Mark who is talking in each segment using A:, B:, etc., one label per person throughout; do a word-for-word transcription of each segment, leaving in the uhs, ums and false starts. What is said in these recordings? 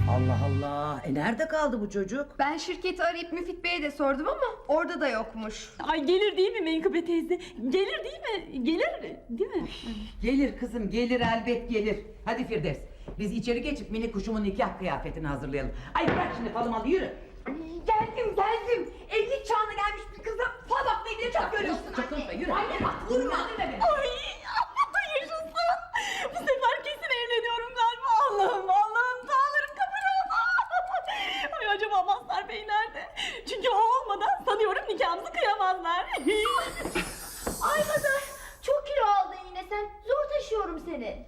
A: Allah Allah. E nerede kaldı bu çocuk?
B: Ben şirketi arayıp Müfit Bey'e de sordum ama orada da yokmuş.
C: Ay gelir değil mi Menkıbe teyze? Gelir değil mi? Gelir değil mi?
A: Gelir kızım, gelir, elbet gelir. Hadi Firdevs, biz içeri geçip mini kuşumun nikah kıyafetini hazırlayalım. Ay bırak şimdi falamalı, yürü.
B: Geldim geldim. Evlilik çağına gelmiş bir kızla fal bakmayı bile çok görüyorsun anne.
A: Çakılma, yürü.
B: Anne bak vurma.
C: Ay Allah yaşasın. Bu sefer kesin evleniyorum galiba. Allah'ım Allah'ım dağların kapını. Ay acaba Mazhar Bey nerede? Çünkü o olmadan sanıyorum nikahımızı kıyamazlar.
D: Ay Mazhar, çok kilo aldın yine sen. Zor taşıyorum seni.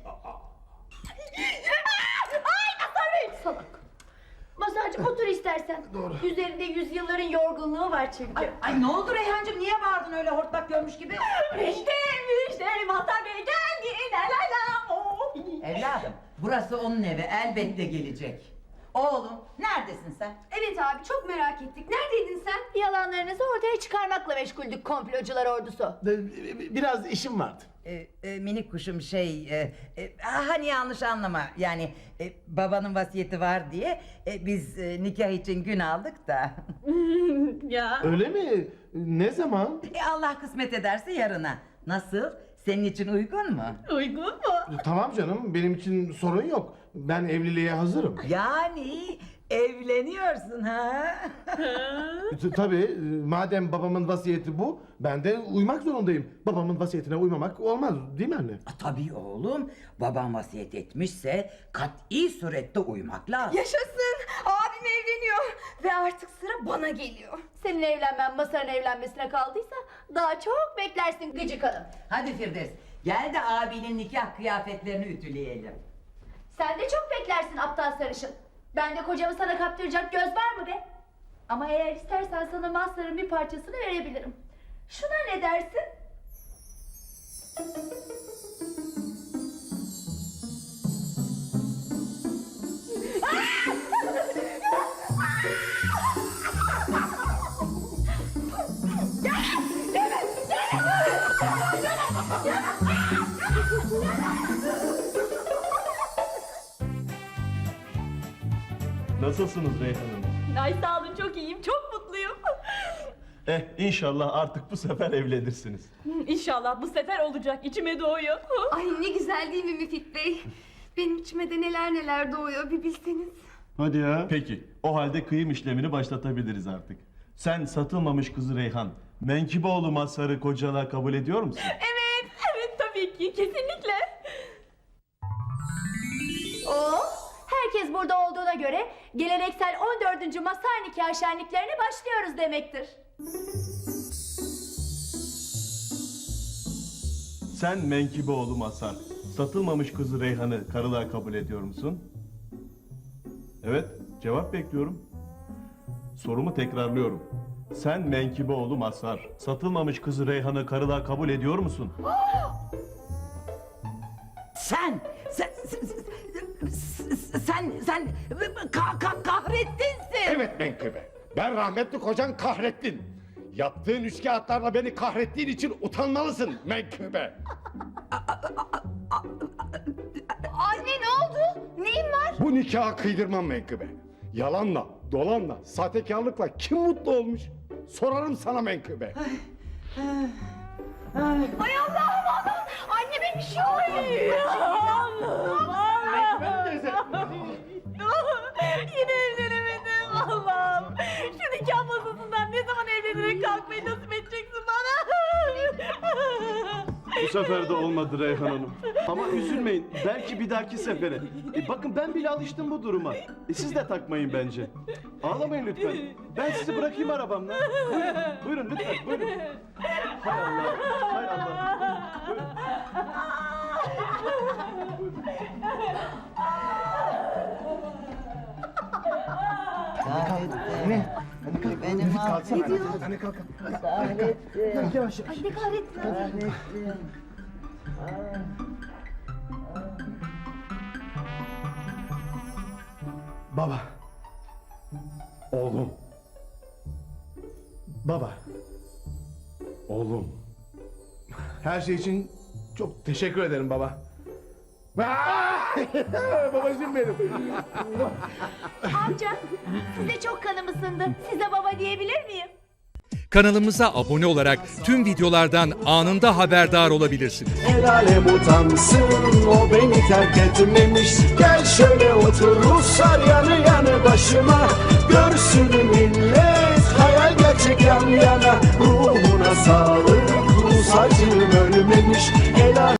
C: Ay Mazhar Bey.
D: Salak. Mazharcığım otur istersen. Doğru. Üzerinde yüzyılların yorgunluğu var çünkü.
A: Ay, ay ne oldu Reyhancığım, niye bağırdın öyle hortlak görmüş gibi?
C: İşte işte Mazhar Bey geldi. La la la. Oh.
A: Evladım, burası onun evi, elbette gelecek. Oğlum, neredesin sen?
B: Evet abi çok merak ettik. Neredeydin sen?
D: Yalanlarınızı ortaya çıkarmakla meşguldük komplocular ordusu.
E: Biraz işim vardı.
A: Ee, e, minik kuşum şey, e, e, hani yanlış anlama, yani e, babanın vasiyeti var diye e, biz e, nikah için gün aldık da.
C: Ya.
E: Öyle mi? Ne zaman?
A: E, Allah kısmet ederse yarına. Nasıl? Senin için uygun mu?
C: Uygun mu?
E: Tamam canım, benim için sorun yok. Ben evliliğe hazırım.
A: Yani evleniyorsun ha?
E: T- Tabii, e, madem babamın vasiyeti bu, ben de uymak zorundayım. Babamın vasiyetine uymamak olmaz, değil mi anne?
A: Tabii oğlum, baban vasiyet etmişse kat'i surette uymak lazım.
B: Yaşasın. Abim evleniyor. Ve artık sıra bana geliyor.
D: Senin evlenmen Mazhar'ın evlenmesine kaldıysa daha çok beklersin gıcık hanım.
A: Hadi Firdevs, gel de abinin nikah kıyafetlerini ütüleyelim.
D: Sen de çok beklersin aptal sarışın. Ben de kocamı sana kaptıracak göz var mı be? Ama eğer istersen sana Mazhar'ın bir parçasını verebilirim. Şuna ne dersin?
F: Nasılsınız Reyhan Hanım?
C: Ay sağ olun çok iyiyim. Çok mutluyum.
F: Eh inşallah artık bu sefer evlenirsiniz.
C: İnşallah bu sefer olacak. İçime doğuyor.
B: Ay ne güzel değil mi Müfit Bey? Benim içime de neler neler doğuyor bir bilseniz.
F: Hadi ya. Peki o halde kıyım işlemini başlatabiliriz artık. Sen satılmamış kızı Reyhan, Menkiboğlu Mazhar'ı kocalığa kabul ediyor musun?
C: Evet, evet tabii ki. Kesinlikle.
D: Oh, herkes burada olduğuna göre geleneksel on dördüncü Mazhar nikah şenliklerine başlıyoruz demektir.
F: Sen Menkiboğlu Mazhar, satılmamış kızı Reyhan'ı karılığa kabul ediyor musun? Evet, cevap bekliyorum. Sorumu tekrarlıyorum. Sen Menkiboğlu Mazhar, satılmamış kızı Reyhan'ı karılığa kabul ediyor musun?
A: Sen, sen, sen, sen, sen ka- ka- kahrettinsin.
G: Evet Menkıbe. Ben rahmetli kocan kahrettin. Yaptığın üçkağıtlarla beni kahrettiğin için utanmalısın Menkıbe.
B: Anne ne oldu? Neyin var?
G: Bu nikahı kıydırmam Menkıbe. Yalanla, dolanla, sahtekarlıkla kim mutlu olmuş? Sorarım sana Menkıbe.
B: Ay Allah'ım Allah'ım. Anneme bir şey oluyor.
C: Allah'ım Allah'ım. Yine evlenemedim Allah'ım. Şu nikah masasından ne zaman evlenerek kalkmayı nasip edeceksin bana?
F: Bu sefer de olmadı Reyhan Hanım. Ama üzülmeyin, belki bir dahaki sefere. E, bakın ben bile alıştım bu duruma. E, siz de takmayın bence. Ağlamayın lütfen. Ben sizi bırakayım arabamla. Buyurun, buyurun lütfen, buyurun. Hay Allah, hay Allah. Buyurun.
E: Ne? Benim kalksana. Anne kalk. Kalk yavaş yavaş.
D: Ay ne kahretsin.
E: Baba.
G: Oğlum,
E: Baba.
G: oğlum.
E: Her şey için çok teşekkür ederim baba. Babacığım benim.
D: Amca, size çok kanım ısındı. Size baba diyebilir miyim?
H: Kanalımıza abone olarak tüm videolardan anında haberdar olabilirsiniz.
I: El alem utansın, o beni terk etmemiş. Gel şöyle otur Ruslar yanı yanı başıma. Görsün millet.